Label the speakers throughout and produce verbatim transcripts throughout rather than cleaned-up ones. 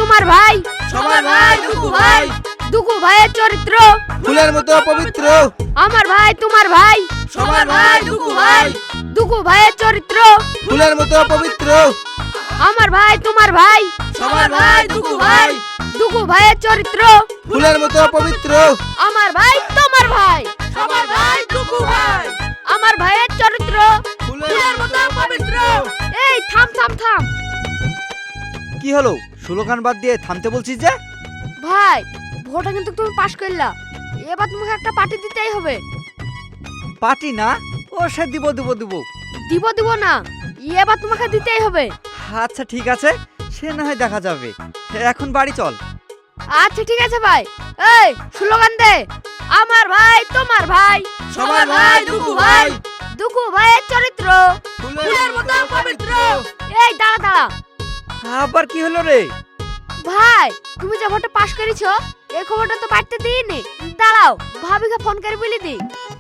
Speaker 1: তোমার ভাই,
Speaker 2: সবার ভাই দুকু ভাই,
Speaker 1: দুকু ভাইয়ের চরিত্র
Speaker 2: ফুলের মতো পবিত্র।
Speaker 1: আমার ভাই তোমার ভাই,
Speaker 2: সবার ভাই দুকু ভাই,
Speaker 1: দুকু ভাইয়ের চরিত্র
Speaker 2: ফুলের মতো পবিত্র।
Speaker 1: আমার ভাই তোমার ভাই,
Speaker 2: সবার ভাই দুকু ভাই,
Speaker 1: দুকু ভাইয়ের চরিত্র
Speaker 2: ফুলের মতো পবিত্র।
Speaker 1: আমার ভাই তোমার ভাই,
Speaker 2: সবার ভাই দুকু ভাই,
Speaker 1: আমার ভাইয়ের চরিত্র
Speaker 2: ফুলের মতো পবিত্র।
Speaker 1: এই থাম থাম থাম
Speaker 3: কি হলো? স্লোগান বাদ দিয়ে থামতে বলছিস যে?
Speaker 1: ভাই, ভোটে কিন্তু তুমি পাশ করলা, এবার তোমাকে একটা পার্টি দিতেই হবে।
Speaker 3: পার্টি না, ও সে দিব দিব দিব।
Speaker 1: দিব দিব না, এবার তোমাকে দিতেই হবে।
Speaker 3: আচ্ছা ঠিক আছে, সে না হয় দেখা যাবে। এখন বাড়ি চল।
Speaker 1: আচ্ছা ঠিক আছে ভাই। এই স্লোগান দে, আমার ভাই তোমার ভাই,
Speaker 2: সবার ভাই দুকু ভাই,
Speaker 1: দুকু ভাইয়ের চরিত্র
Speaker 2: ফুলের মতো পবিত্র।
Speaker 1: এই দাঁড়া দাঁড়া
Speaker 3: আবার কি হলো রে?
Speaker 1: ভাই, তুমি যে ভোটে পাশ করেছো এই খবরটা তো বাড়তে দিইনি। দাঁড়াও, ভাবিকে ফোন করে বলে দি।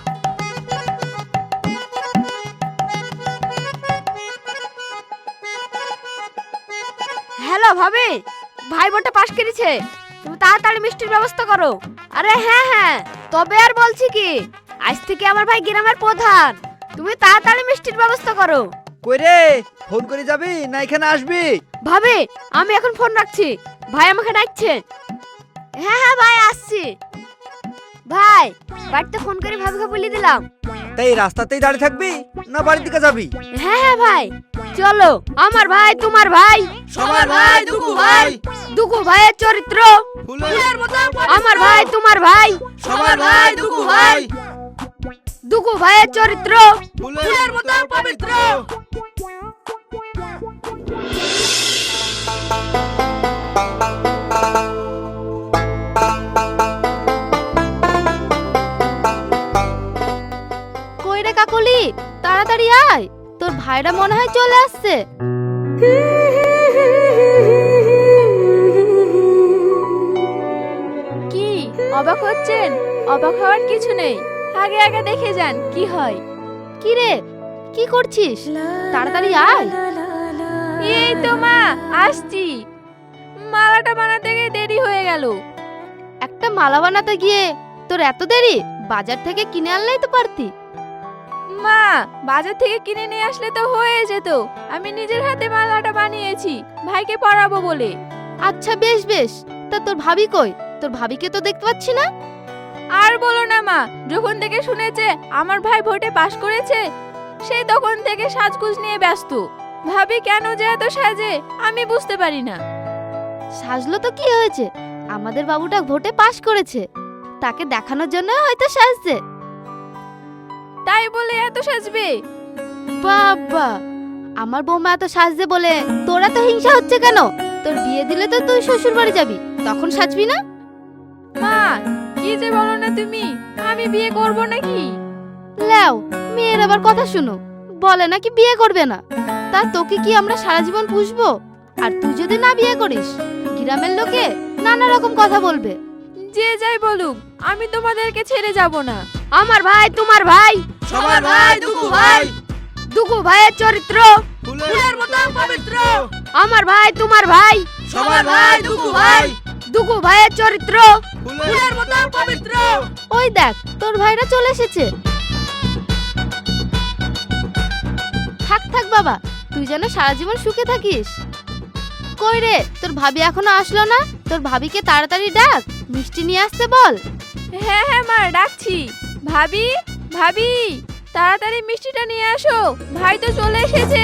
Speaker 1: হ্যালো ভাবি, ভাই ভোটে পাশ করেছে, তুমি তাড়াতাড়ি মিষ্টির ব্যবস্থা করো। আরে হ্যাঁ হ্যাঁ, তবে আর বলছি কি, আজ থেকে আমার ভাই গ্রামের প্রধান, তুমি তাড়াতাড়ি মিষ্টির ব্যবস্থা করো।
Speaker 3: কই রে, ফোন করে যাবি না এখানে আসবি?
Speaker 1: ভাবি, আমি এখন ফোন রাখছি, ভাই আমাকে ডাকছে। হ্যাঁ হ্যাঁ ভাই আসছি। ভাই, বাড়িতে ফোন করে ভাবিকে বলে দিলাম।
Speaker 3: তাই রাস্তাতেই দাঁড়িয়ে থাকবি না বাড়ির দিকে যাবি?
Speaker 1: হ্যাঁ হ্যাঁ ভাই, চলো। আমার ভাই তোমার ভাই,
Speaker 2: সবার ভাই দুকু ভাই,
Speaker 1: দুকু ভাইয়ের চরিত্র
Speaker 2: ফুলের মতো পবিত্র।
Speaker 1: আমার ভাই তোমার ভাই,
Speaker 2: সবার ভাই দুকু ভাই,
Speaker 1: দুকু ভাইয়ের চরিত্র
Speaker 2: ফুলের মতো পবিত্র।
Speaker 1: কই রে কাকলি, তাড়াতাড়ি আয়, তোর ভাইরা মনে হয় চলে আসছে। কি অবাক হচ্ছেন? অবাক হওয়ার কিছু নেই, আগে আগে দেখে যান কি হয়। কি রে, কি করছিস? তাড়াতাড়ি আয়। এই তো মা, আসছি। মালাটা বানাতে গিয়ে দেরি হয়ে গেল। একটা মালা বানাতে গিয়ে তোর এত দেরি? বাজার থেকে কিনে আনলেই তো পারতি। মা, বাজার থেকে কিনে নিয়ে আসলে তো হয়ে যেত, আমি নিজের হাতে মালাটা বানিয়েছি ভাইকে পরাবো বলে। আচ্ছা বেশ বেশ, তা তোর ভাবি কই? তোর ভাবিকে তো দেখতে পাচ্ছি না। আর বলো না মা, যখন থেকে শুনেছে আমার ভাই ভোটে পাশ করেছে সেই তখন থেকে সাজগোজ নিয়ে ব্যস্ত। ভাবি কেন যে এত সাজে আমি বুঝতে পারি না। সাজলো তো কি হয়েছে, আমাদের বাবুটা ভোটে পাশ করেছে, তাকে দেখানোর জন্য হয়তো সাজছে। তাই বলে এত সাজবে? বাবা, আমার বৌমা এত সাজছে বলে তোরা তো হিংসা হচ্ছে কেন? তোর বিয়ে দিলে তো তুই শ্বশুর বাড়ি যাবি, তখন সাজবি না? মা, কি যে বলো না তুমি, আমি বিয়ে করব নাকি? লেও, মেয়ের আবার কথা শুনো, বলে নাকি বিয়ে করবে না। তা তোকে কি আমরা সারা জীবন পুষবো? আর তুই যদি না বিয়ে করিস, গ্রামের লোকে নানা রকম কথা বলবে। যে যাই বলুক, আমি তোমাদেরকে ছেড়ে যাব না। আমার ভাই তোমার ভাই,
Speaker 2: সবার ভাই দুকু ভাই,
Speaker 1: দুকু ভাইয়ের চরিত্র
Speaker 2: ফুলের মতো পবিত্র।
Speaker 1: আমার ভাই তোমার ভাই,
Speaker 2: সবার ভাই দুকু ভাই,
Speaker 1: দুকু ভাইয়ের চরিত্র
Speaker 2: ফুলের মতো পবিত্র।
Speaker 1: ওই দেখ, তোর ভাইরা চলে এসেছে। থাক থাক বাবা, তুই যেন সারা জীবন সুখে থাকিস। কই রে, তোর ভাবি এখনো আসলো না? তোর ভাবিকে তাড়াতাড়ি ডাক, মিষ্টি নিয়ে আসতে বল। হ্যাঁ হ্যাঁ মা, ডাকছি। ভাবি, ভাবি, তাড়াতাড়ি মিষ্টিটা নিয়ে আসো, ভাই তো চলে এসেছে।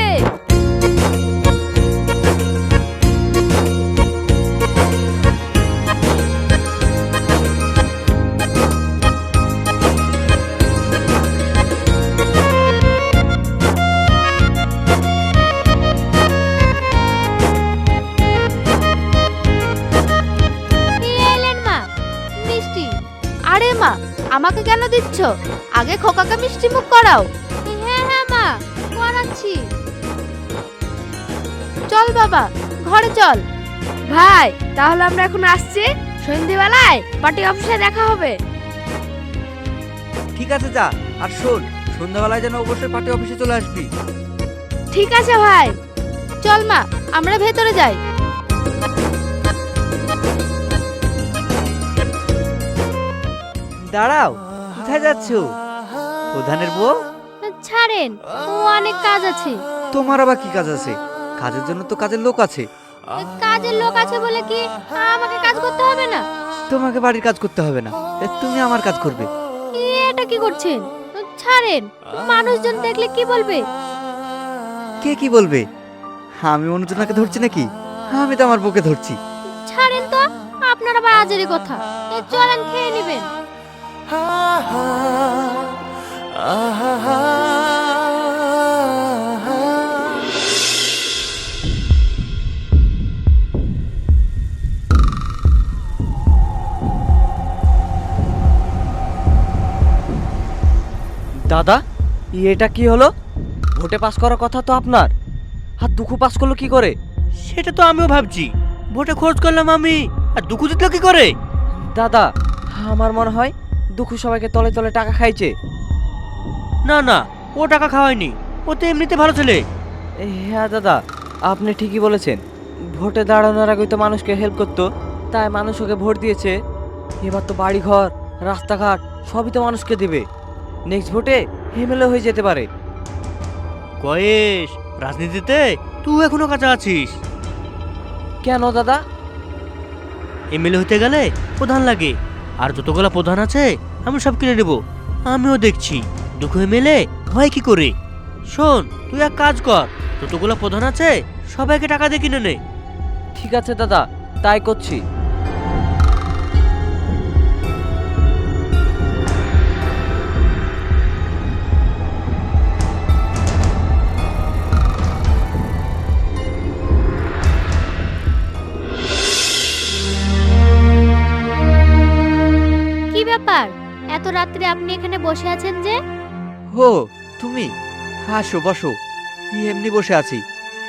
Speaker 1: আরে মা, আমাকে কেন দিচ্ছ? আগে খোকাকে মিষ্টি মুখ করাও। হ্যাঁ হ্যাঁ মা, করাচ্ছি। চল বাবা, ঘরে চল। ভাই, তাহলে আমরা এখন আসছি, সন্ধ্যেবেলায় পার্টি অফিসে দেখা হবে।
Speaker 3: ঠিক আছে যা, আর শোন, সন্ধ্যাবেলায় যেন অবশ্যই পার্টি অফিসে চলে আসবি।
Speaker 1: ঠিক আছে ভাই। চল মা, আমরা ভেতরে যাই।
Speaker 3: দাঁড়াও, কোথায় যাচ্ছ? প্রধানের বউ?
Speaker 1: ছাড়েন, ও অনেক কাজ আছে।
Speaker 3: তোমার আবার কি কাজ আছে? কাজের জন্য তো কাজের লোক আছে।
Speaker 1: কাজের লোক আছে বলে কি আমাকে কাজ করতে হবে না?
Speaker 3: তোমাকে বাড়ির কাজ করতে হবে না, এ, তুমি আমার কাজ করবে।
Speaker 1: এটা কি করছেন? ছাড়েন, মানুষজন দেখলে কি বলবে?
Speaker 3: কে কি বলবে? আমি অনুজনাকে ধরছি নাকি? আমি তো আমার বউকে ধরছি।
Speaker 1: ছাড়েন তো, আপনার আবার আজেরই কথা। এই চলেন, খেয়ে নেবেন।
Speaker 4: দাদা, এটা কি হলো? ভোটে পাস করার কথা তো আপনার, আর দুঃখু পাস করলো কি করে?
Speaker 2: সেটা তো আমিও ভাবছি। ভোটে খরচ করলাম আমি, আর দুঃখু জিতলো কি করে?
Speaker 4: দাদা, আমার মনে হয় দুঃখু সবাইকে তলে তলে টাকা খাইছে।
Speaker 2: না না, ও টাকা খাওয়ায়নি, ও তো এমনিতে ভালো ছেলে।
Speaker 4: এ, হ্যাঁ দাদা, আপনি ঠিকই বলেছেন। ভোটে দাঁড়ানোর আগে তো মানুষকে হেল্প করতো, তাই মানুষ ওকে ভোট দিয়েছে। এবার তো বাড়ি ঘর, রাস্তাঘাট সবই তো মানুষকে দেবে। নেক্সট ভোটে এমএলএ হয়ে যেতে পারে।
Speaker 2: কয়েস, রাজনীতিতে তুই এখনো কাঁচা আছিস।
Speaker 4: কেন দাদা?
Speaker 2: এমএলএ হতে গেলে প্রধান লাগে, আর যতগুলো প্রধান আছে আমি সব কিনে নেব। আমিও দেখছি দুঃখ এমএলএ হয় কি করে। শোন, তুই এক কাজ কর, যতগুলো প্রধান আছে সবাইকে টাকা দিয়ে কিনে নে।
Speaker 4: ঠিক আছে দাদা, তাই করছি।
Speaker 1: কি ব্যাপার, এত রাত্রে আপনি এখানে বসে আছেন যে?
Speaker 3: ও তুমি, আসো বসো। এমনি বসে আছি।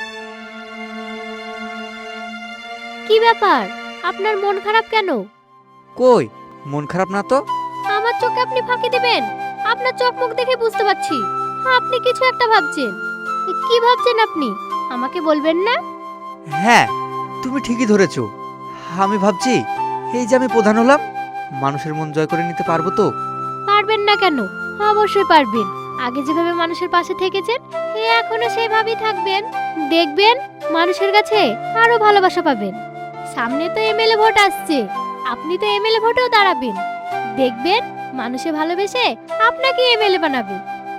Speaker 1: কি ব্যাপার, আপনার মন খারাপ কেন?
Speaker 3: কই, মন খারাপ না তো।
Speaker 1: আমার চোখে আপনি ফাঁকি দিবেন? আপনার চোখ মুখ দেখে বুঝতে পারছি আপনি কিছু একটা ভাবছেন। কি ভাবছেন আপনি, আমাকে বলবেন না?
Speaker 3: হ্যাঁ, তুমি ঠিকই ধরেছো। আমি ভাবছি এই যে আমি প্রধান হলাম, মানুষের মন জয় করে নিতে পারবো তো?
Speaker 1: পারবেন না কেন? অবশ্যই পারবেন। আগে যেভাবে মানুষের পাশে থেকেছেন, এখনো সেভাবেই থাকবেন। দেখবেন মানুষের কাছে আরো ভালোবাসা পাবেন। সামনে তো এমএলএ ভোট আসছে, আপনি তো এমএলএ ভোটেও দাঁড়াবেন। দেখবেন মানুষে ভালোবেসে আপনাকে এমএলএ বানাবে।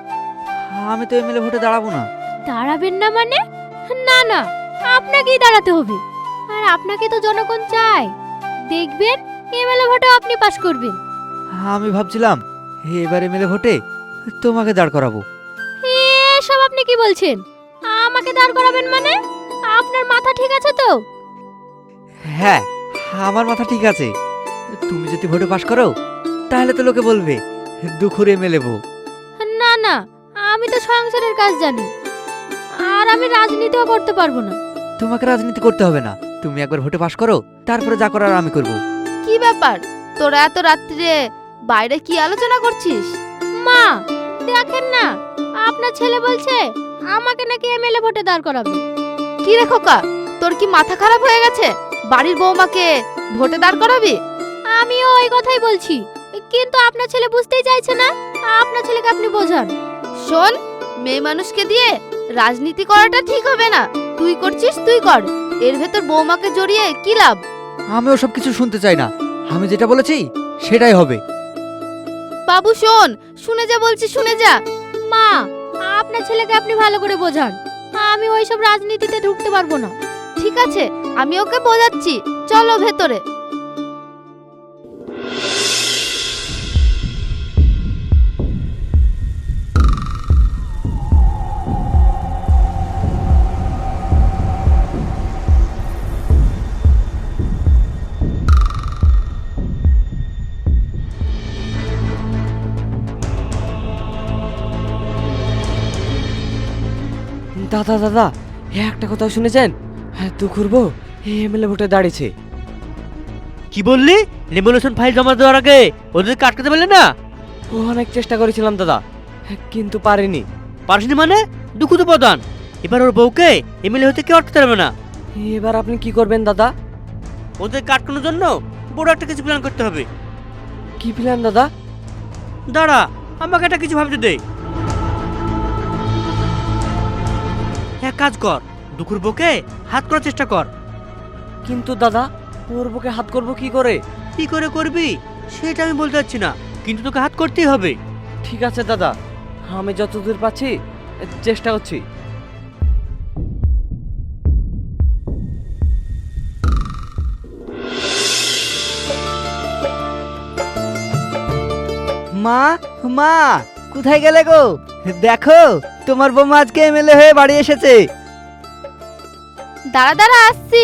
Speaker 3: আমি তো এমএলএ ভোটে দাঁড়াবো না।
Speaker 1: দাঁড়াবেন না মানে? না না, আপনাকেই দাঁড়াতে হবে। আর আপনাকে তো জনগণ চায়। দেখবেন এমএলএ ভোটে আপনি পাস করবেন।
Speaker 3: আমি ভাবছিলাম এবার এমএলএ ভোটে তোমাকে দাঁড় করাবো।
Speaker 1: এসব আপনি কি বলছেন? আমাকে দাঁড় করাবেন মানে? আপনার মাথা ঠিক আছে তো?
Speaker 3: হ্যাঁ, আমার মাথা ঠিক আছে। তুমি যদি ভোটে পাশ করো তাহলে তো লোকে বলবে দুঃখুর এমএলএ বউ।
Speaker 1: না না, আমি তো সংসারের কাজ জানি, আর আমি রাজনীতিও করতে পারবো না।
Speaker 3: তোমাকে রাজনীতি করতে হবে না, তুমি একবার ভোটে পাশ করো, তারপরে যা করার আমি করব।
Speaker 1: কি ব্যাপার, তোরা এত রাত্রে বাইরে কি আলোচনা করছিস? মা, দেখেন না, আপনার ছেলে বলছে আমাকে নাকি এমএলএ ভোটে দাঁড় করাবে। কি রে খোকা, তোর কি মাথা খারাপ হয়ে গেছে? বাড়ির বৌমাকে ভোটে দাঁড় করাবি? আমিও ওই কথাই বলছি, কিন্তু আপনার ছেলে বুঝতেই চাইছে না। আপনার ছেলেকে আপনি বোঝান। শোন, মেয়ে মানুষকে দিয়ে রাজনীতি করাটা ঠিক হবে না। তুই করছিস তুই কর, এর ভেতর বৌমাকে জড়িয়ে কি লাভ?
Speaker 3: আমি ওসব কিছু শুনতে চাই না, আমি যেটা বলেছি সেটাই হবে।
Speaker 1: বাবু শোন, শুনে যা বলছি শুনে যা। মা, আপনার ছেলেকে আপনি ভালো করে বোঝান। আমি ওইসব রাজনীতিতে ঢুকতে পারবো না। ঠিক আছে, আমি ওকে বোঝাচ্ছি, চলো ভেতরে।
Speaker 4: দাদা দাদা, এ একটা কথা শুনেছেন? হ্যাঁ, দুঃখুর বউ এমএলএ ভোটে দাঁড়িয়েছে।
Speaker 2: কি বললি? রেভলিউশন ফাইল জমা দেওয়ার আগে ওদেরকে আটকাতে পারলে না?
Speaker 4: ও অনেক চেষ্টা করেছিলাম দাদা, হ্যাঁ, কিন্তু পারিনি।
Speaker 2: পারিসনি মানে? দুঃখ তো প্রধান, এবার ওর বউকে এমএলএ হতে কেউ আটকাতে পারবে না।
Speaker 4: এবার আপনি কি করবেন দাদা?
Speaker 2: ওদের আটকানোর জন্য বড় একটা কিছু প্ল্যান করতে হবে।
Speaker 4: কি প্ল্যান দাদা?
Speaker 2: দাঁড়া, আমাকে একটা কিছু ভাবতে দে। এক কাজ কর, দুকুর বকে হাত করার চেষ্টা কর।
Speaker 4: কিন্তু দাদা, ওর বুকে হাত করব কি করে?
Speaker 2: কি করে করবি সেটা আমি বলতে পারছি না, কিন্তু তোকে হাত করতেই হবে।
Speaker 4: ঠিক আছে দাদা, আমি যতদূর পাচ্ছি চেষ্টা করছি।
Speaker 3: মা, মা, কোথায় গেলে গো? দেখো, তোমার বৌমা আজকে এমএলএ হয়ে বাড়ি এসেছে।
Speaker 1: দাঁড়া দাঁড়া, আসছি।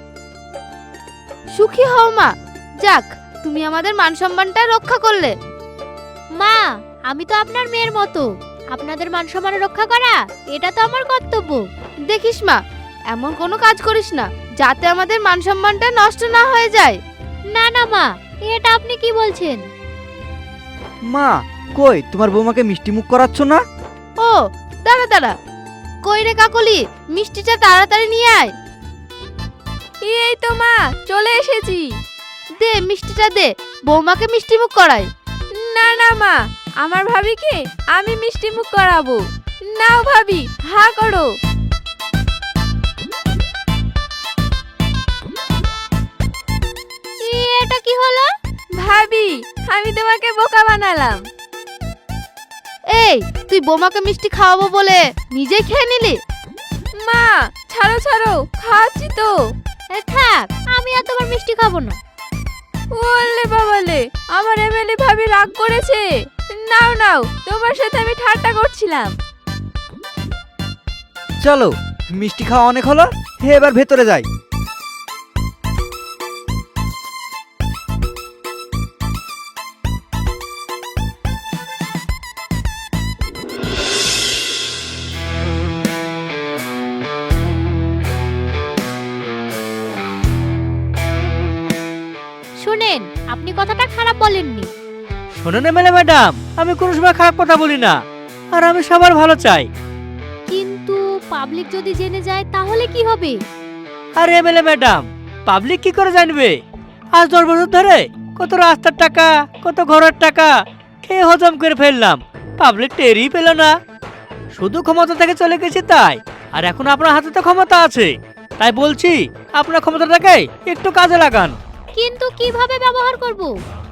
Speaker 1: সুখী হও মা, যাক তুমি আমাদের মান সম্মানটা রক্ষা করলে। মা, আমি তো আপনার মেয়ের মতো, আপনাদের মান সম্মান রক্ষা করা এটা তো আমার কর্তব্য। দেখিস মা, এমন কোনো কাজ করিস না যাতে আমাদের মান সম্মানটা নষ্ট না হয়ে যায়। না না মা, এটা আপনি কি বলছেন?
Speaker 3: মা, কই তোমার বৌমাকে মিষ্টি মুখ করাচ্ছ না?
Speaker 1: ও দাঁড়া দাঁড়া, কই রে কাকলি, মিষ্টিটা তাড়াতাড়ি নিয়ে আয়। এই তো মা, চলে এসেছি। দে মিষ্টিটা দে, বৌমাকে মিষ্টি মুখ করাই। না না মা, আমার ভাবিকে আমি মিষ্টি মুখ করাবো। নাও ভাবি, হা করো। এটা কি হলো? ভাবি, আমি তোমাকে বোকা বানালাম। এই, তুই বৌমাকে মিষ্টি খাওয়াবো বলে নিজেই খেয়ে নিলি? মা ছাড়ো ছাড়ো, খাচ্ছি তো। থাক, আমি আর তোমার মিষ্টি খাবো না। ওলে বাবালে, আমার এমএলএ ভাবি রাগ করেছে। নাও নাও, তোমার সাথে আমি ঠাট্টা করছিলাম।
Speaker 3: চলো, মিষ্টি খাওয়া অনেক হলো, হে এবার ভেতরে যাই।
Speaker 1: শুনেন, আপনি কথাটা খারাপ বলেননি।
Speaker 2: শোনেন এমএলএ ম্যাডাম, আমি কোনো সময় খারাপ কথা বলি না, আর আমি সবার ভালো চাই।
Speaker 1: কিন্তু পাবলিক যদি জেনে যায় তাহলে কি হবে?
Speaker 2: আর এমএলএ ম্যাডাম, পাবলিক কি করে জানবে? আজ দশ বছর ধরে কত রাস্তার টাকা, কত ঘরের টাকা খেয়ে হজম করে ফেললাম, পাবলিক টেরই পেল না। শুধু ক্ষমতা থেকে চলে গেছি তাই, আর এখন আপনার হাতে তো ক্ষমতা আছে, তাই বলছি আপনার ক্ষমতাটাকে একটু কাজে লাগান।
Speaker 1: কিন্তু কিভাবে ব্যবহার করব?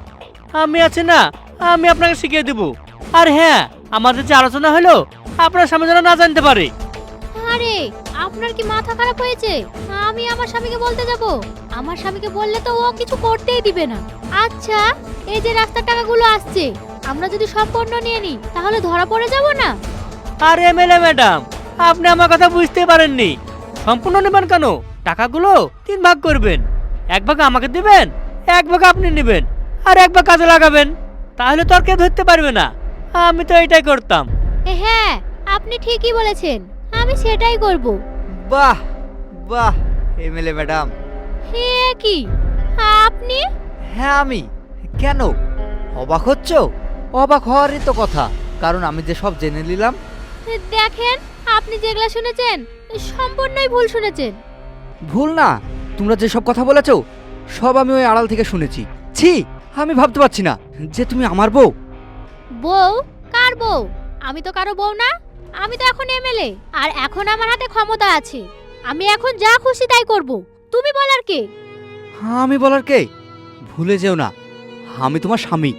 Speaker 2: আমি আছি না, আমি আপনাকে শিখিয়ে দেব। আর হ্যাঁ, আমাদের যে আলোচনা হলো আপনার সামনে যেন না জানতে পারে।
Speaker 1: আরে, আপনার কি মাথা খারাপ হয়েছে? আমি আমার স্বামীকে বলতে যাব? আমার স্বামীকে বললে তো ও কিছু করতেই দিবে না। আচ্ছা, এই যে রাস্তার টাকাগুলো আসছে, আমরা যদি সম্পূর্ণ নিয়ে নিই তাহলে ধরা পড়ে যাব না?
Speaker 2: আর এমএলএ ম্যাডাম, আপনি আমার কথা বুঝতে পারেননি। সম্পূর্ণ নেবেন কেন? টাকাগুলো তিন ভাগ করবেন, এক ভাগ আমাকে দিবেন, এক ভাগ আপনি নেবেন, আর এক ভাগ কাজে লাগাবেন। তাহলে তো আর কেউ ধরতে পারবে না। আমি তো এটাই করতাম।
Speaker 1: হ্যাঁ, আপনি ঠিকই বলেছেন, আমি সেটাই করব।
Speaker 3: বাহ বাহ, এমএলএ ম্যাডাম।
Speaker 1: হে কি আপনি?
Speaker 3: হ্যাঁ আমি। কেন অবাক হচ্ছ? অবাক হওয়ারই তো কথা, কারণ আমি যে সব জেনে নিলাম।
Speaker 1: দেখেন, আপনি যেগুলা শুনেছেন সম্পূর্ণই ভুল শুনেছেন।
Speaker 3: ভুল না, তোমরা যে সব কথা বলেছো সব আমি ওই আড়াল থেকে শুনেছি। ছি, আমি ভাবতে পারছি না যে তুমি আমার বউ।
Speaker 1: বউ? কার বউ? আমি তো কারো বউ না, আমি তো এখন এমএলএ, আর এখন আমার হাতে ক্ষমতা আছে। আমি এখন যা খুশি তাই করব। তুমি বলার কে?
Speaker 3: আমি বলার কে? ভুলে যেও না, আমি তোমার স্বামী।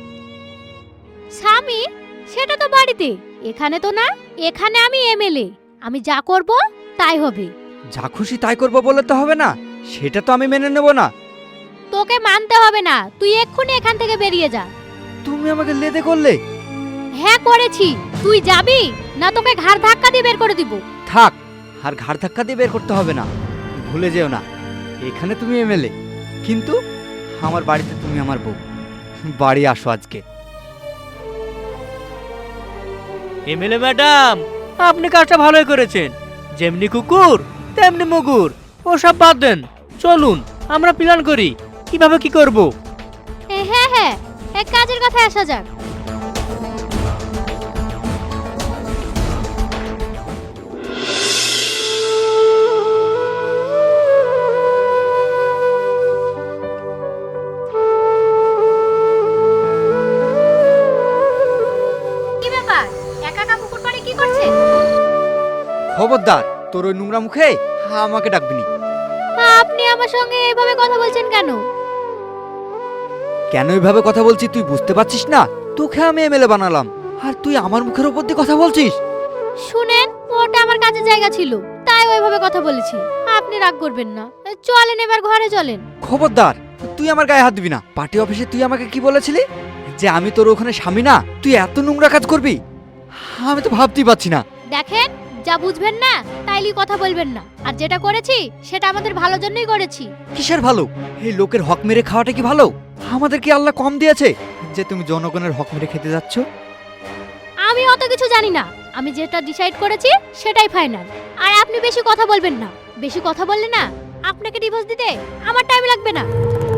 Speaker 1: স্বামী? সেটা তো বাড়িতে, এখানে তো না। এখানে আমি এমএলএ, আমি যা করব তাই হবে।
Speaker 3: যা খুশি তাই করবো বলে তো হবে না, সেটা তো আমি মেনে নেব না।
Speaker 1: তোকে মানতে হবে না, তুই এক্ষুনি এখান থেকে বেরিয়ে যা।
Speaker 3: তুমি আমাকে লেদে করলে।
Speaker 1: হ্যাঁ করেছি, তুই যাবি না তোকে ঘাড় ধাক্কা দিয়ে বের করে দিব।
Speaker 3: থাক, আর ঘাড় ধাক্কা দিয়ে বের করতে হবে না। ভুলে যেও না, এখানে তুমি এমএলএ, কিন্তু আমার বাড়িতে তুমি আমার বউ। বাড়ি আসো আজকে।
Speaker 2: এমএলএ ম্যাডাম, আপনি কাজটা ভালোই করেছেন। যেমনি কুকুর তেমনি মুগুর, ওসব বাদ দেন। চলুন আমরা প্ল্যান করি কিভাবে কি করব।
Speaker 1: হ্যাঁ হ্যাঁ, এক কাজের কথা আসা যাক।
Speaker 3: খবরদার, তোর ওই নোংরা মুখে আমাকে ডাকবি নি।
Speaker 1: আপনি আমার সঙ্গে এইভাবে কথা বলছেন কেন?
Speaker 3: কেন এইভাবে কথা বলছি তুই বুঝতে পারছিস না? তোকে আমি এমএলএ বানালাম, আর তুই আমার মুখের উপর দিয়ে কথা বলছিস?
Speaker 1: শুনেন, ওটা আমার কাজের জায়গা ছিল, তাই ওইভাবে কথা বলেছি। আপনি রাগ করবেন না, চলেন এবার ঘরে চলেন।
Speaker 3: খবরদার, তুই আমার গায়ে হাত দিবি না। পার্টি অফিসে তুই আমাকে কি বলেছিলি? যে আমি তোর ওখানে স্বামী না, তুই এত নোংরা কাজ করবি? আমি তো ভাবতেই পারছি না।
Speaker 1: দেখেন, যা বুঝবেন না তাইলে কথা বলবেন না, আর যেটা করেছি সেটা আমাদের ভালোর জন্যই করেছি।
Speaker 3: কিসের ভালো? এই লোকের হক মেরে খাওয়াটা কি ভালো? আমাদের কি আল্লাহ কম দিয়েছে যে তুমি জনগণের হক মেরে খেতে যাচ্ছ?
Speaker 1: আমি অত কিছু জানি না, আমি যেটা ডিসাইড করেছি সেটাই ফাইনাল। আর আপনি বেশি কথা বলবেন না, বেশি কথা বললে না আপনাকে ডিভোর্স দিতে আমার টাইম লাগবে না।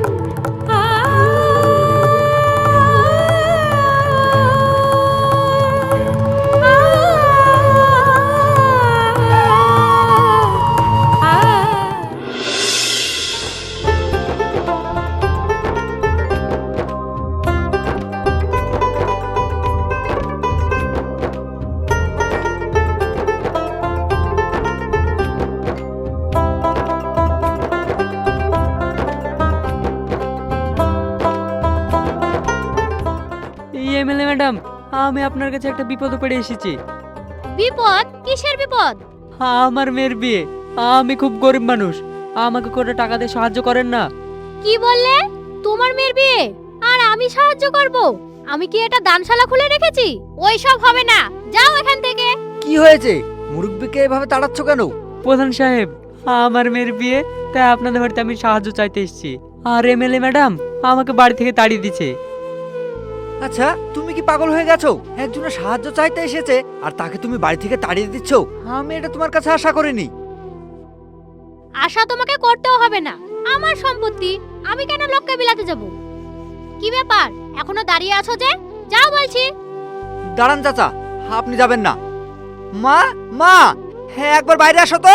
Speaker 4: এমএলএ ম্যাডাম, আমি আপনার কাছে একটা বিপদে পড়ে এসেছি।
Speaker 1: বিপদ? কিসের বিপদ?
Speaker 4: আমার মেয়ের বিয়ে, আমি খুব গরিব মানুষ, আমাকে করে টাকা দিয়ে সাহায্য করেন না?
Speaker 1: কি বললে? তোমার মেয়ের বিয়ে আর আমি সাহায্য করব? আমি কি এটা দানশালা খুলে রেখেছি? ওই সব হবে না, যাও এখান থেকে।
Speaker 3: কি হয়েছে? মুরব্বিকে এভাবে তাড়াচ্ছ কেন?
Speaker 4: প্রধান সাহেব, আমার মেয়ের বিয়ে, তাই আপনাদের বাড়িতে আমি সাহায্য চাইতে এসেছি। আর এমএলএ ম্যাডাম আমাকে বাড়ি থেকে তাড়িয়ে দিচ্ছে।
Speaker 3: আচ্ছা, তুমি কি পাগল হয়ে গেছো? একজনের সাহায্য চাইতে এসেছে আর তাকে তুমি বাড়ি থেকে তাড়িয়ে দিচ্ছ? আমি এটা তোমার কাছে আশা করিনি।
Speaker 1: আশা তোমাকে করতেও হবে না, আমার সম্পত্তি, আমি কেন লোককে বিলাতে যাব? কি ব্যাপার, এখনো দাঁড়িয়ে আছো যে? যাও বলছি।
Speaker 3: দাঁড়ান চাচা, আপনি যাবেন না। মা, মা, হ্যাঁ একবার বাইরে আসো তো।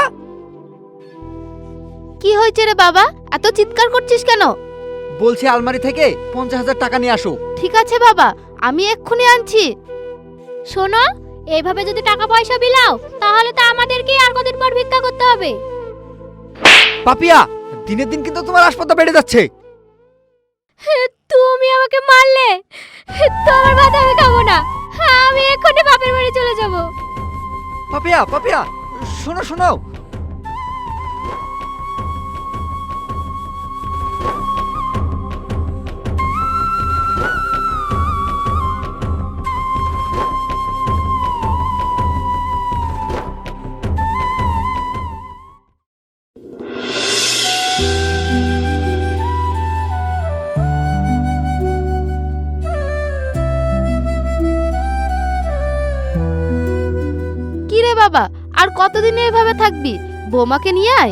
Speaker 1: কি হয়েছে রে বাবা, এত চিৎকার করছিস কেন?
Speaker 3: বলছি আলমারি থেকে পঞ্চাশ হাজার টাকা নিয়ে আসো।
Speaker 1: ঠিক আছে বাবা, আমি এক্ষুনি আনছি। শোনো, এইভাবে যদি টাকা পয়সা বিলাও তাহলে তো আমাদেরকে আর কদিন পর ভিক্ষা করতে হবে।
Speaker 3: পাপিয়া, দিনের দিন কিন্তু তোমার আসপত্তা বেড়ে যাচ্ছে।
Speaker 1: তুমি আমাকে মারলে, তোমার ভাত আমি খাবো না, আমি এক্ষুনি বাপের বাড়ি চলে যাব।
Speaker 3: পাপিয়া, পাপিয়া, শোনো শোনো।
Speaker 1: কি রে বাবা, আর কতদিন এভাবে থাকবি? বৌমাকে নিয়ে আয়।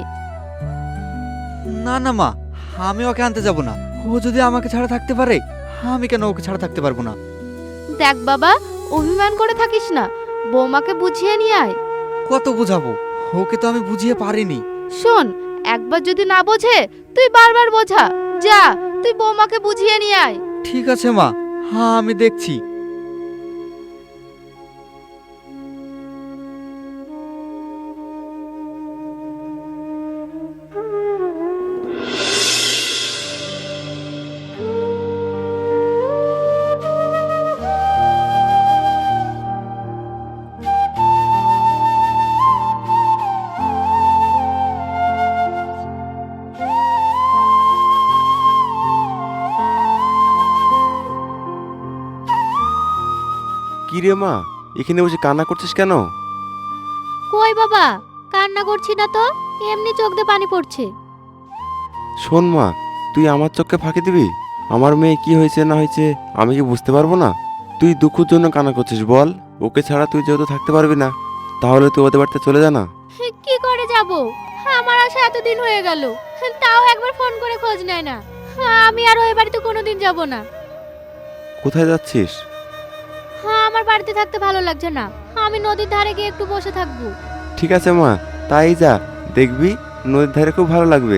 Speaker 3: না না মা, আমি ওকে আনতে যাব না। ও যদি আমাকে ছাড়া থাকতে পারে, আমি কেন ওকে ছাড়া থাকতে পারবো না?
Speaker 1: দেখ বাবা, অভিমান করে থাকিস না, বৌমাকে বুঝিয়ে নিয়ে আয়।
Speaker 3: কত বুঝাবো? ওকে তো আমি বুঝিয়ে পারিনি।
Speaker 1: শোন, একবার যদি না বোঝে তুই বারবার বোঝা। যা, তুই বৌমাকে বুঝিয়ে নিয়ে আয়।
Speaker 3: ঠিক আছে মা, হ্যাঁ আমি দেখছি।
Speaker 5: কি রে মা, এখানে বসে কান্না করছিস কেন?
Speaker 1: কই বাবা, কান্না করছি না তো, এমনি চোখ দিয়ে পানি পড়ছে।
Speaker 5: শোন মা, তুই আমার চোখকে ফাঁকি দিবি? আমার মেয়ে কি হয়েছে না হয়েছে আমি কি বুঝতে পারবো না? তুই দুঃখের জন্য কান্না করছিস বল? ওকে ছাড়া তুই যেহেতু থাকতে পারবি না, তাহলে তুই ওদের বাড়িতে চলে যা না।
Speaker 1: কি করে যাব? আমার আশা এতদিন হয়ে গেল, তাও একবার ফোন করে খোঁজ নেয় না। আমি আর ওই বাড়িতে কোনোদিন যাব না।
Speaker 5: কোথায় যাচ্ছিস?
Speaker 1: হ্যাঁ, আমার বাড়িতে থাকতে ভালো লাগছে না, আমি নদীর ধারে গিয়ে একটু বসে থাকবো।
Speaker 5: ঠিক আছে মা, তাই যা, দেখবি নদীর ধারে খুব ভালো লাগবে।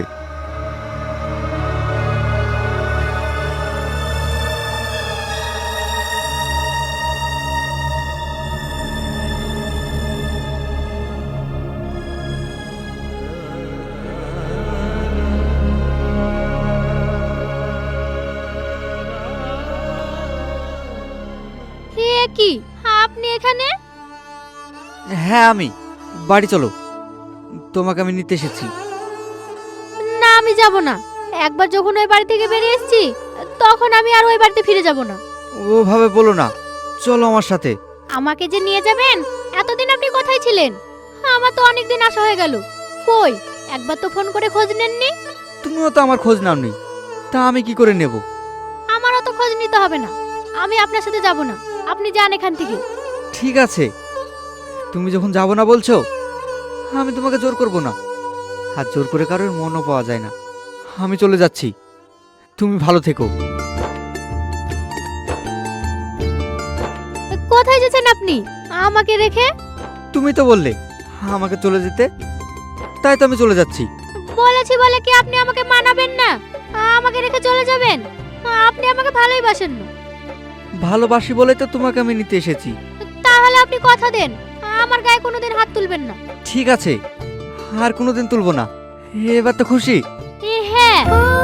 Speaker 1: কি আপনি এখানে?
Speaker 3: হ্যাঁ আমি। বাড়ি চলো, তোমাকে আমি নিতে এসেছি।
Speaker 1: না আমি যাব না। একবার যখন ওই বাড়ি থেকে বেরিয়ে এসেছি তখন আমি আর ওই বাড়িতে ফিরে যাব না।
Speaker 3: ওভাবে বলো না, চলো আমার সাথে।
Speaker 1: আমাকে যে নিয়ে যাবেন, এতদিন আপনি কোথায় ছিলেন? আমার তো অনেক দিন আসা হয়ে গেল। কই একবার তো ফোন করে খোঁজ নেননি।
Speaker 3: তুমিও তো আমার খোঁজ নাওনি, তা আমি কি করে নেব?
Speaker 1: আমারও তো খোঁজ নিতে হবে না। আমি আপনার সাথে যাব না, আপনি যান এখান থেকে।
Speaker 3: ঠিক আছে, তুমি যখন যাবো না বলছো, আমি তোমাকে জোর করব না। আর জোর করে কারোর মনও পাওয়া যায় না। আমি চলে যাচ্ছি, তুমি ভালো থেকো।
Speaker 1: কোথায় যাচ্ছেন আপনি আমাকে রেখে?
Speaker 3: তুমি তো বললে আমাকে চলে যেতে, তাই তো আমি চলে যাচ্ছি।
Speaker 1: বলেছি বলে কি আপনি আমাকে মানাবেন না? আমাকে রেখে চলে যাবেন? আপনি আমাকে ভালোই বাসেন না।
Speaker 3: ভালোবাসি বলে তো তোমাকে আমি নিতে এসেছি।
Speaker 1: তাহলে আপনি কথা দেন আমার গায়ে কোনোদিন হাত তুলবেন না।
Speaker 3: ঠিক আছে, আর কোনোদিন তুলবো না। এবার তো খুশি?
Speaker 1: এ হ্যাঁ।